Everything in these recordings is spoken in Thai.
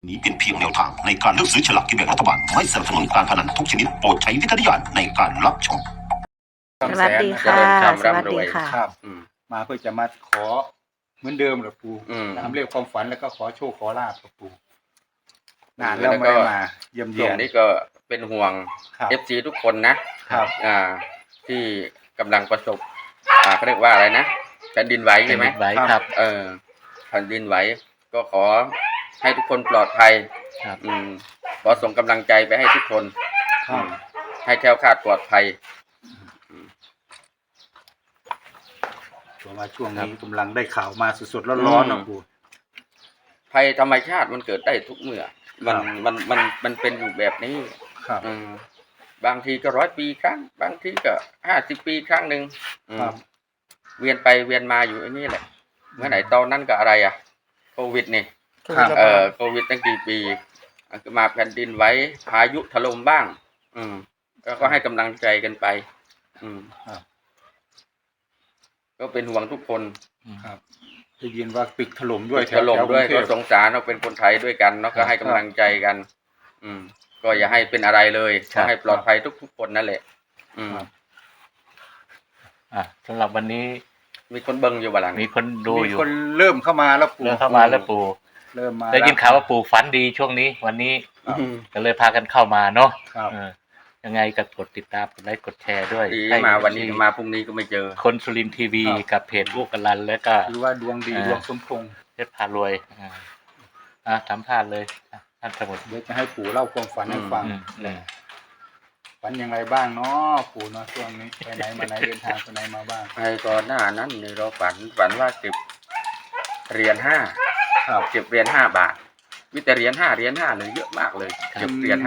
นี้เป็นเพียงแนวทางในการเลือกซื้อฉลากกินแบ่งรัฐบาลไม่สนับสนุนการพนันทุกชนิดโปรดใช้วิจารณญาณในการรับชมสวัสดีค่ะสวัสดีค่ะครับมาเพื่อจะมาขอเหมือนเดิมหรอปู่ตามเรื่องความฝันแล้วก็ขอโชคขอลาภกับปู่นานแล้วไม่ได้มาเยี่ยมเยียนนี่ก็เป็นห่วง FC ทุกคนนะครับที่กำลังประสบเขาเรียกว่าอะไรนะแผ่นดินไหวใช่ไหมไหวครับแผ่นดินไหวก็ขอให้ทุกคนปลอดภัยครับขอส่งกำลังใจไปให้ทุกคนให้แคล้วคลาดปลอดภัยช่วงนี้กำลังได้ข่าวมาสดๆร้อนๆนะปู่ภัยธรรมชาติมันเกิดได้ทุกเมื่อมันเป็นอยู่แบบนี้บางทีก็100 ปีครั้งบางทีก็50 ปีครั้งหนึ่งเวียนไปเวียนมาอยู่อันนี้แหละเมื่อไหร่ตอนนั้นก็อะไรโควิดนี่โควิดตั้งกี่ปีมาแผ่นดินไหวพายุถล่มบ้างก็ให้กำลังใจกันไปก็เป็นห่วงทุกคนครับได้ยินว่าตึกถล่มด้วยถล่มด้วยก็สงสารเราเป็นคนไทยด้วยกันเนาะก็ให้กำลังใจกันก็อย่าให้เป็นอะไรเลยขอให้ปลอดภัยทุกคนนั่นแหละสำหรับวันนี้มีคนเบิ่งอยู่บ้างมีคนดูอยู่มีคนเริ่มเข้ามาแล้วปู่เริ่มมาได้ยินข่าวว่าปู่ฝันดีช่วงนี้วันนี้ก็เลยพากันเข้ามาเนาะยังไงก็กดติดตามกดไลค์กดแชร์ด้วยมาวันนี้มาพรุ่งนี้ก็ไม่เจอคนสุรินทร์ทีวีกับเพจลูกกลันแล้วก็หรือว่าดวงดีดวงสมพงษ์เพชรพารวยทำพลาดเลยท่านสมุดเดี๋ยวจะให้ปู่เล่าความฝันให้ฟังฝันยังไงบ้างเนาะปู่เนาะช่วงนี้ไปไหนมาไหนเดินทางไปไหนมาบ้างไปก่อนหน้านั้นเนี่ยเราฝันว่าเก็บเหรียญ5เก็บเหรียญ5 บาทมีแต่เหรียญ5เลยเยอะมากเลยเก็บเหรียญ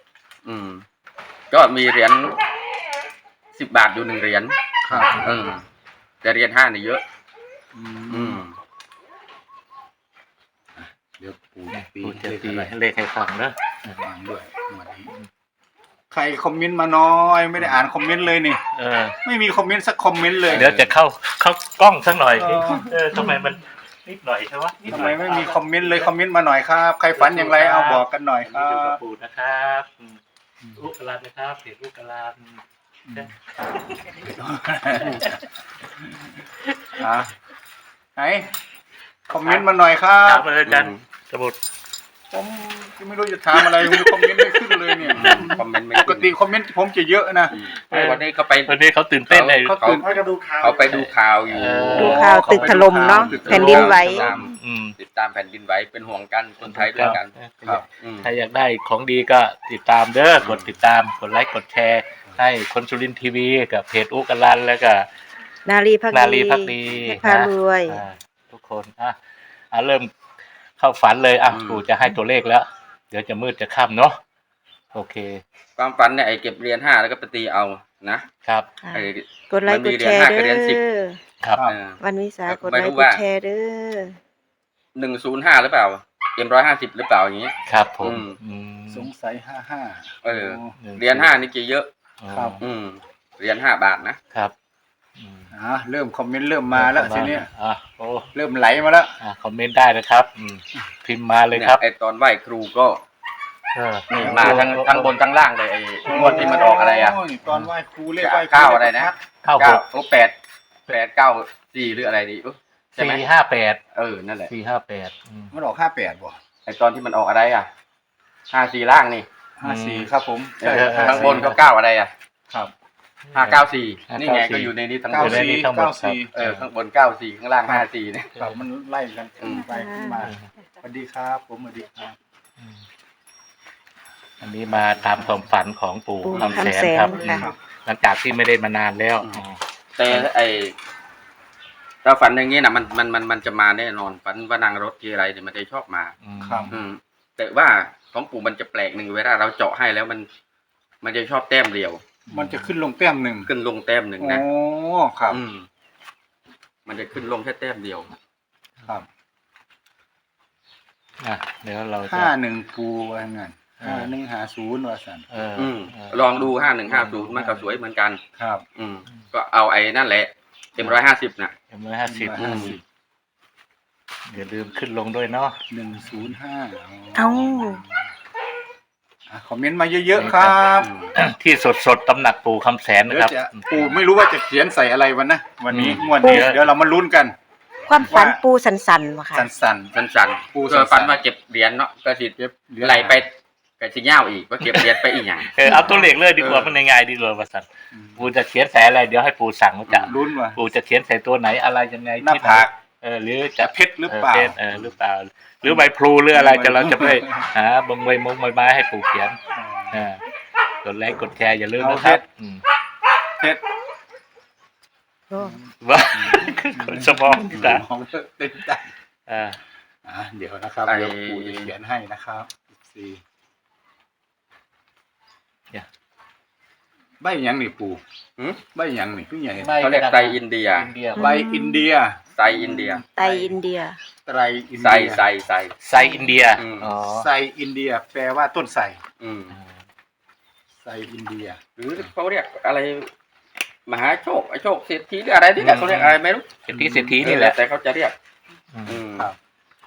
5ก็มีเหรียญ10 บาทอยู่1 เหรียญแต่เหรียญ5เนี่ยเยอะเดี๋ยวปู่จะตีเลขให้ฟังนะฟังด้วยวันนี้ใครคอมเมนต์มาน้อยไม่ได้อ่านคอมเมนต์เลยนี่ไม่มีคอมเมนต์สักคอมเมนต์เลยเดี๋ยวจะเข้ากล้องสักหน่อยทำไมมันนิดหน่อยใช่ไหมทำไมไม่มีคอมเมนต์เลยคอมเมนต์มาหน่อยครับใครฝันอย่างไรเอาบอกกันหน่อยครับอยู่กับปู่นะครับลูกกลันนะครับเพจลูกกลันไหนคอมเมนต์มาหน่อยครับถามเลยกันสมุดผมไม่รู้จะถามอะไรคุณคอมเมนต์ไม่ขึ้นเลยเนี่ยคอมเมนต์ปกติคอมเมนต์ผมจะเยอะนะวันนี้เขาตื่นเต้นเลยเขาไปดูข่าวอยู่ดูข่าวตึกถล่มเนาะแผ่นดินไหวติดตามแผ่นดินไหวเป็นห่วงกันคนไทยด้วยกันถ้าอยากได้ของดีก็ติดตามเด้อกดติดตามกดไลค์กดแชร์ให้คนสุรินทร์ทีวีกับเพจอุกลันแล้วก็นาลีพักดีพารวยทุกคนเริ่มเข้าฝันเลยปู่จะให้ตัวเลขแล้วเดี๋ยวจะมืดจะค่ำเนาะโอเคความฝันเนี่ยเก็บเหรียญ5แล้วก็ไปตีเอานะครับกดไลค์กดแชร์เด้อครับวันวิสากดไลค์กดแชร์เด้อ 105หรือเปล่า150หรือเปล่าอย่างนี้ครับผมสงสัย55 เหรียญ5นี่กี่เยอะครับเหรียญ5 บาทนะครับเริ่มคอมเมนต์เริ่มมาแล้วทีนี้เริ่มไหลมาแล้วคอมเมนต์ได้นะครับพิมพ์มาเลยครับไอตอนไหว้ครูก็มาทั้งบนทั้งล่างเลยไอ้งวดที่มันออกอะไรตอนไหว้ครูเรียกไหว้ 9อะไรนะ8 9 4หรืออะไรดี 458 นั่นแหละ 458มันออก58บ่ไอตอนที่มันออกอะไร54ล่างนี่ 54ครับผมข้างบนก็9อะไรครับ 594นี่ไงก็อยู่ในนี้ทั้งหมดข้างบน94ข้างล่าง54เนี่ยมันไล่กันไปมาสวัสดีครับผมสวัสดีครับอันนี้มาตามความฝันของปู่คำแสนครับหลังจากที่ไม่ได้มานานแล้วแต่ถ้าฝันอย่างนี้นะมันจะมาแน่นอนฝันว่านางรถที่อะไรเนี่ยมันจะชอบมาแต่ว่าของปู่มันจะแปลกหนึ่งเวลาเราเจาะให้แล้วมันจะชอบแต้มเดียวมันจะขึ้นลงแต้มหนึ่งขึ้นลงแต้มหนึ่งนะครับมันจะขึ้นลงแค่แต้มเดียวครับเดี๋ยวเรา 51ปูว่างั้น5150ว่าซั่นลองดู5150มันก็สวยเหมือนกันครับก็เอาไอ้นั่นแหละM150นะ M150 อย่าลืมขึ้นลงด้วยเนาะ 105 เอ้าคอมเมนต์มาเยอะๆครับที่สดตำหนักปู่คำแสนนะเดี๋ยครับวจะปู่ไม่รู้ว่าจะเขียนใส่อะไรวันนะวันนี้อืมงวดนี้เดี๋ยวเดี๋ยวเรามาลุ้นกันความฝันปูสันๆว่ะค่ะสั้นสั้นปูๆสั้ก็นๆฝันว่าเก็บเหรียญเนาะก็สิๆเก็บเหรียญไหลไปก็สิเง่าอีกว่าเก็บเหรียญไปอีกอย่างเอาตัวเลขเลยดีกว่ามันง่ายๆดีกว่าประสันอืมปู่จะเขียนใส่อะไรเดี๋ยวให้ปู่สั่งว่าจะลุ้นว่าปู่จะเขียนใส่ตัวไหนอะไรยังไงหน้าที่ไหนผากหรือจะจะเพชรหรือเปล่าหรือเปล่า หรือใบพลูหรืออะไรใบจะเราจะไปพลูหาบงใบมงใบไม้ให้ปู่เขียนกดไลค์กดแชร์อย่าลืมนะคเอาเพรับชร เพชรว่าคนสมองตามองเต็มใจเดี๋ยวนะครับไอ้เดี๋ยวปู่จะเขียนให้นะครับสี่ใบหยังนี่ปู่หืมใบหยังนี่พี่ใหญ่เขาเรียกไตรอินเดียใบอินเดียไตรอินเดียไตอินเดียไตรอินไซเดียไซไซไซอินเดียอืมอ๋อไซอินเดีย แปลว่าต้นไทรอืมไซอินเดียหรือเขาเรียกอะไร มหาโชคไอโชคเศรษฐีหรืออะไรนี่แหละเขาเรียกอะไรไม่รู้เศรษฐีนี่แหละแต่เขาจะเรียก อืมครับ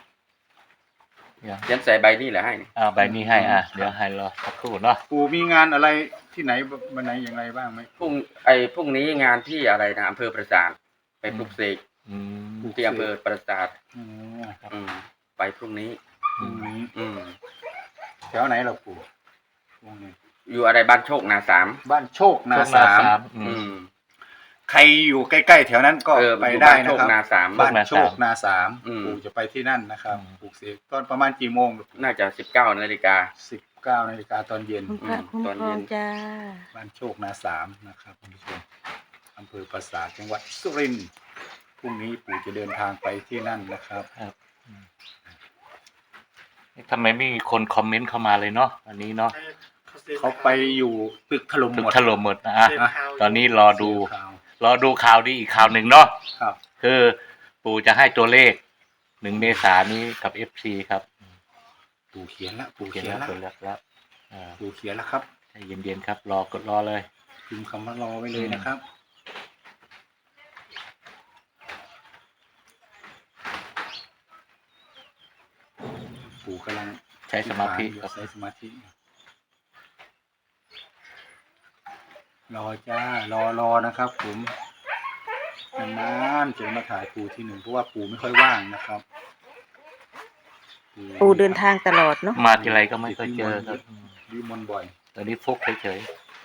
เขียนใส่ใบนี่แหละให้นี่ใบนี้ให้เดี๋ยวให้รอสักครู่เนาะปู่มีงานอะไรที่ไหนวันไหนอย่างไรบ้างไหมพรุ่งนี้งานที่อะไรนะอำเภอปราสาทไปปลุกเสกอืมที่อำเภอปราสาทอ๋อไปพรุ่งนี้พรุ่งนี้อืมแถวไหนเราปู่พรุ่งนี้อยู่อะไรบ้านโชคนาสามบ้านโชคนาช่วงสามอืมใครอยู่ใกล้ๆแถวนั้นก็ไปอยู่ได้บ้านนะโชคครับนาสามบ้านโชคนาสามอืมปู่จะไปที่นั่นนะครับปลูกเสกตอนประมาณกี่โมงน่าจะ19 นาฬิกา 19 นาฬิกาตอนเย็นคุณพระคุ้มตอนครเย็องนจ้าบ้านโชคนาสามนะครับคุณผู้ชมอำเภอปราสาทจังหวัดสุรินทร์พรุ่งนี้ปู่จะเดินทางไปที่นั่นนะครับทำไมไม่มีคนคอมเมนต์เข้ามาเลยเนาะอันนี้เนาะเขาไปอยู่ตึกถล่มถึหงมดถล่มหมดนะตอนนี้รอดูข่าวข่าวดีอีกข่าวหนึ่งเนาะครับคือปู่จะให้ตัวเลข1 เมษายนนี้กับ FC ครับปู่เขียนแล้วปู่เขียนเขียนแล้วแล้วตัวเลขแล้วปู่เขียนแล้วครับใจเย็นๆครับกดรอเลยพิมพ์คำว่ารอไว้เลยนะครับ ปู่กำลังใช้สมาธิใช้สมาธิรอจ้ารอนะครับผมนานๆจะมาถ่ายปู่ที่หนึ่งเพราะว่าปู่ไม่ค่อยว่างนะครับปูเดินทางตลอดเนาะมาทีไรก็ไม่เคยเจอครับวิมลบ่อยตอนนี้ฟุกเฉย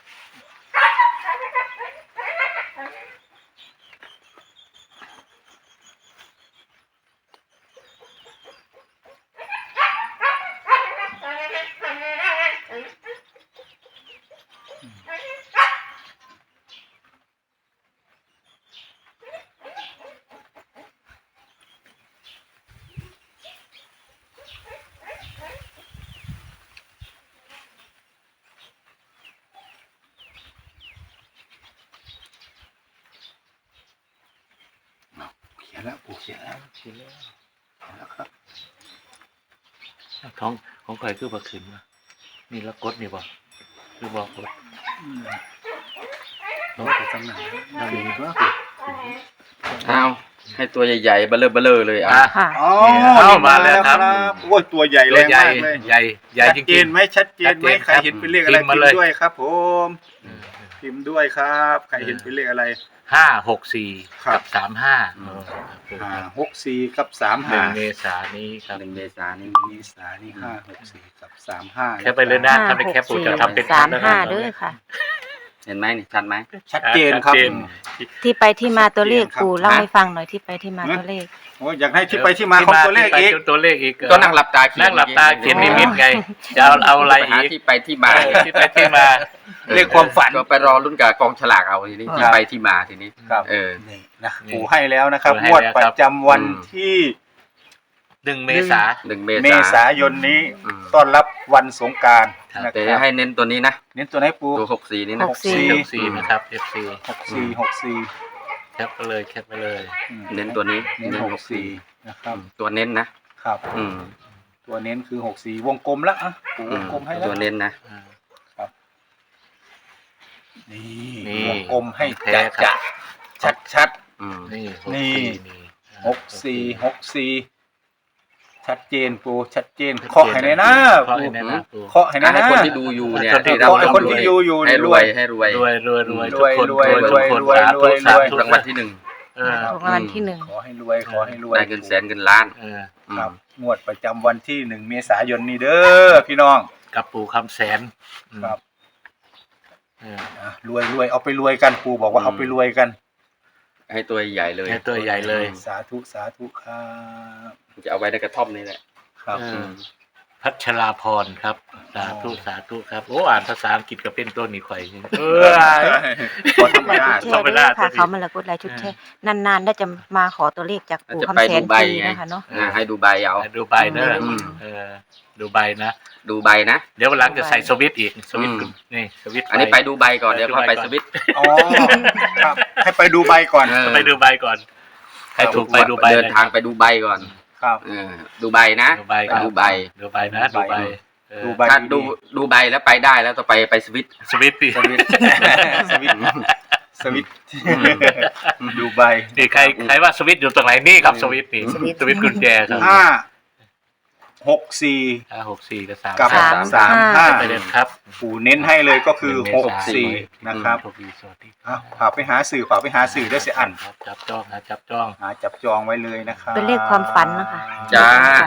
เขียนแล้วปู่เขียนแล้วเขียนแล้วครับๆของใครคือบักขึ้นวะนี่แล้วกดนี่บ่คือบอกกดเราไปจำหน่ายเราเองก็เอาให้ตัวใหญ่ๆเบลอเลยอ่ะค่ะอ๋อมาแล้วครับโอ้ยตัวใหญ่ตัแรวงใหญ่มากเลยใหญ่จชัดเจริงนไหมชัดเจนไหมชัดเจนใครเห็นเป็นเลขอะไรพิมพ์มาพิมเลยพ์ด้วยครับผมพิมพ์ด้วยครับใครเห็นเป็นเลขอะไร 564 ครับกับ35 6 4กับ3 1 เม 5 ษายนนี้ครับ 1 เมษายนนี้เมษายนนี่5 6 4กับ3 5 แค่ไปเลยนะถ้าไม่แคปปู่จะทำเป็น 564 35เด้อค่ะเห็นไหมนี่ชัดไหมชัดเจนครับชัดเจนที่ไปที่มาตัวเลขชัดเจนครับปูเล่าให้ฟังหน่อยที่ไปที่มาตัวเลขโอ้ยอยากให้ที่ไปที่มาของตัวเลขอีกตัวเลขอีกก็นั่งหลับตาเขียนนั่งหลับตาเขียนนิมิตไงจะเอาอะไรไปหาอีกที่ไปที่มาที่ไปที่มาเลขความฝันก็ไปรอรุ่นกับกองฉลากเอาทีนี้ที่ไปที่มาทีนี้ครับนี่นะปู่ให้แล้วนะครับปู่ให้งวดแล้วปครัระบจำวันอืมที่ 1 เมษายน 1 เมเมษาษายนนี้อืมต้อนรับวันสงกรานต์ครับนะแต่ครับให้เน้นตัวนี้นะเน้นตัวไหนปูตัว64นี่นะ 64นะครับ FC 64 แคปไปเลยแคปไปเลยเน้นตัวนี้เน้น64นะครับตัวเน้นนะครับ อืมตัวเน้นคือ64วงกลมแล้วอ่ะปูวงกลมให้แล้วตัวเน้นนะนี่นี่วงกลมให้แท้จะครับชัดอืมนี่นี่นี่ 64 ชัดเจนปูชัดเจนเคาะให้ในหน้าเคาะปูให้ในหน้าปูเคาะให้ในหให้น้าคนที่ดูอยู่เนี่ยคนที่ได้รับเคาะให้คนที่ดูอยู่ให้รวยให้รวยรวยรวยรวยรวยทุกคนรวยทุกคนรวยสาธุรวยสาธุรางวัลที่ 1 เออถูกรางวัลที่หนึ่งขอให้รวยขอให้รวยได้เงินแสนเงินล้านเออครับงวดประจำวันที่1 เมษายนนี้เด้อพี่น้องกับปู่คำแสนอืมครับเออรวยรวยเอาไปรวยกันปูบอกว่าเอาไปรวยกันให้ตัวใหญ่เลยให้ตัวใหญ่เลยสาธุสาธุครับจะเอาไว้ในกระท่อมนี่แหละครับเออ พัชราพรครับ สาธุสาธุครับโอ้อ่านภาษาอังกฤษก็เป็นตัวนี้ข่อยเออขอธรรมดาแชร์ด้วยค่ะเขามาละกดไลค์ชุดแชร์นานๆได้จะมาขอตัวเลขจากปู่จะคำไปแสดูนใบปีไงนะคะเนาะให้ดูใบเอาดูใบเนอะอืมเออดูใบนะดูใบนะเดี๋ยววันหลังจะใส่สวิตช์อีกสวิตช์อืมนี่สวิตช์อันนี้ไปดูใบก่อนเดี๋ยวค่อยไปสวิตช์อ๋อครับให้ไปดูใบก่อนเออไปดูใบก่อนใครถูกไปดูใบเดินทางไปดูใบก่อนครับดูใบนะดูใบครับดูใบดูใบนะดูใบเออดูใบถ้าดูใบแล้วไปได้แล้วต่อไปสวิตช์สวิตช์ดิสวิตช์สวิตช์สวิตช์ดูใบนี่ใครว่าสวิตช์อยู่ตรงไหนนี่ครับสวิตช์นี่สวิตช์กุญแจครับ 5 564กับกับ 35ไปเด็ดครับปู่เน้นให้เลยก็คือ 1 เมษายน 64นะครับโชคดีสวัสดีฝากไปหาสื่อฝากไปหาสื่อได้เสียอันครับจับจ้องนะจับจ้องหาจับจองไว้เลยนะครับเป็นเลขความฝันนะคะจ้า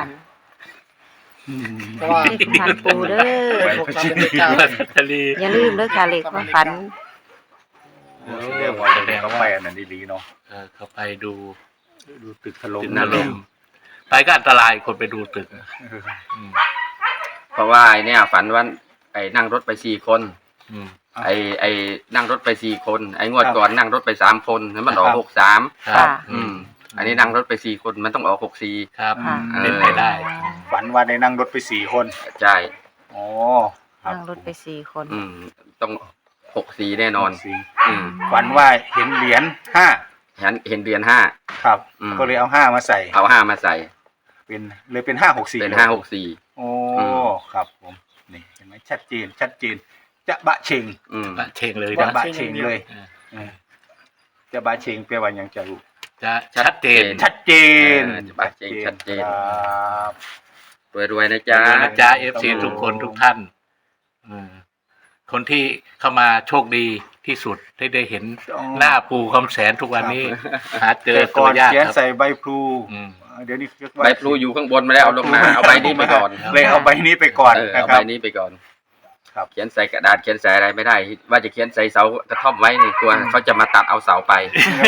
เลขความฝันปู่เด้อทะเลอย่าลืมเด้อค่ะเลขความฝันเรียกว่าเด็กเขาไปอันนั้นดีๆเนาะเข้าไปดูดูตึกถล่มตึกนรมไปก็อันตรายคนไปดูตึกอืมเพราะว่าไอ้เนี่ยฝันว่าไอ้นั่งรถไป4 คนอืมไอ้นั่งรถไป4 คนไอ้งวดก่อนนั่งรถไป3 คนแล้วมันออก63 ครับอันนี้นั่งรถไป4 คนมันต้องออก64 ครับค่ะเป็นไปได้ฝันว่าได้นั่งรถไป4 คนใช่อ๋อครับนั่งรถไป4 คนต้อง64แน่นอนสี่อืมฝันว่าเห็นเหรียญ5 เห็นเหรียญครับอืมก็เลยเอา5มาใส่ 5เอา5มาใส่เป็น564 เป็น564 โอ้อืมครับผมนี่เห็นไหมชัดเจนชัดเจนจะบะเชงปะเชงเลยจะนะบะเชงเลยจะบะเชงแปลว่าอย่างจะรู้จะชัดเจนชัดเจนจะบะเชงชัดเจนครับรวยๆนะจ๊ะนะจ๊ะ FC ทุกคนทุกท่านคนที่เข้ามาโชคดีที่สุดที่ได้เห็นหน้าปู่คำแสนทุกวันนี้ หาเจอแต่ตัก่วอนยากเขียนครับใส่ใบพลูอืมเดี๋ยวนี้เรียกใบพลูอยู่ข้างบนมาแล้วเอาลงมาเอาใบนี้ไปก่อนเลยเอาใบนี้ไปก่อนเออนะเอาคใบรับนี้ไปก่อนครับเขียนใส่กระดาษเขียนใส่อะไรไม่ได้ ว่าจะเขียนใส่เสากระท่อมไว้นี่กลัวเขาจะมาตัดเอาเสาไป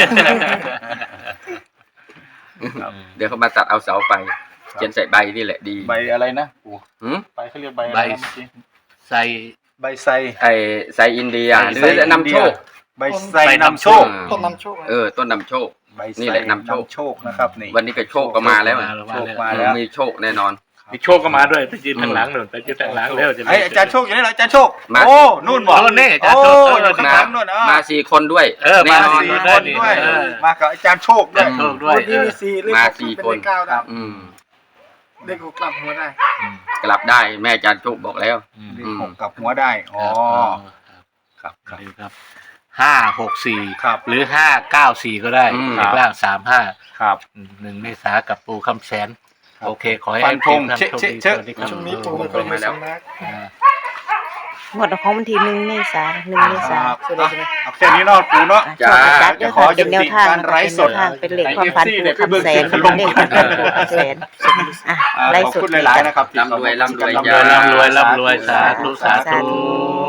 เดี๋ยวเขามาตัดเอาเสาไป เขียนใส่ใบนี่แหละดีใบอะไรนะปู่หืมใบเขาเรียกใบอะไรใบนะเมื่อกี้ใส่ใบไทรไอ้ใส่อินเดียหรือไทรนำโชคใบไทรนำโชคต้นนำโชคต้นนำโชคใบไทรนี่แหละนำโชคนะครับนี่วันนี้ก็โชคก็มาแล้วโชคมาแล้วมีโชคแน่นอนมีโชคก็มาด้วยไปยืนทางหลังหนุนไปยืนทางหลังแล้วจะไอ้อาจารย์โชคอยู่นี่เหรออาจารย์โชคมาโอ้นู่นบอกโน่นนี่อาจารย์โชคโอ้อยู่ข้างหลังนู่นมา4 คนด้วยมาแน่นอนสี่ 4 คนด้วยเออมากับอาจารย์โชคด้วยโชคด้วยมา4 คนครับเลขหกกลับหัวได้กลับได้แม่อาจารย์โชคบอกแล้วเลขหกกับหัวได้อ๋อครับคครัรับบ 564 ครับหรือ594ก็ได้อืมเลขล่าง35 ครับ 1 เมษากับปู่คำแสนครับโอเค ขอให้ฟันธงท่านเช็คโชคดีเช็คสวัสดีครับช่วงนี้ปู่เป็นคนมีสำนักงวดของวันที่1 เมษายน1 เมษายนเอาแค่นี้เนาะปู่เนาะโชคจัดเด้อค่ะเป็นแนวทางนะคะเป็นแนวทางเป็นเลขความฝันปู่คำแสนเป็นเลขความฝันปู่คำแสนไล่ขอบสุดคุณหลายๆนะครับร่ำรวยร่ำรวยร่ำรวยร่ำรวยร่ำรวยสาธุสาธุสาธุ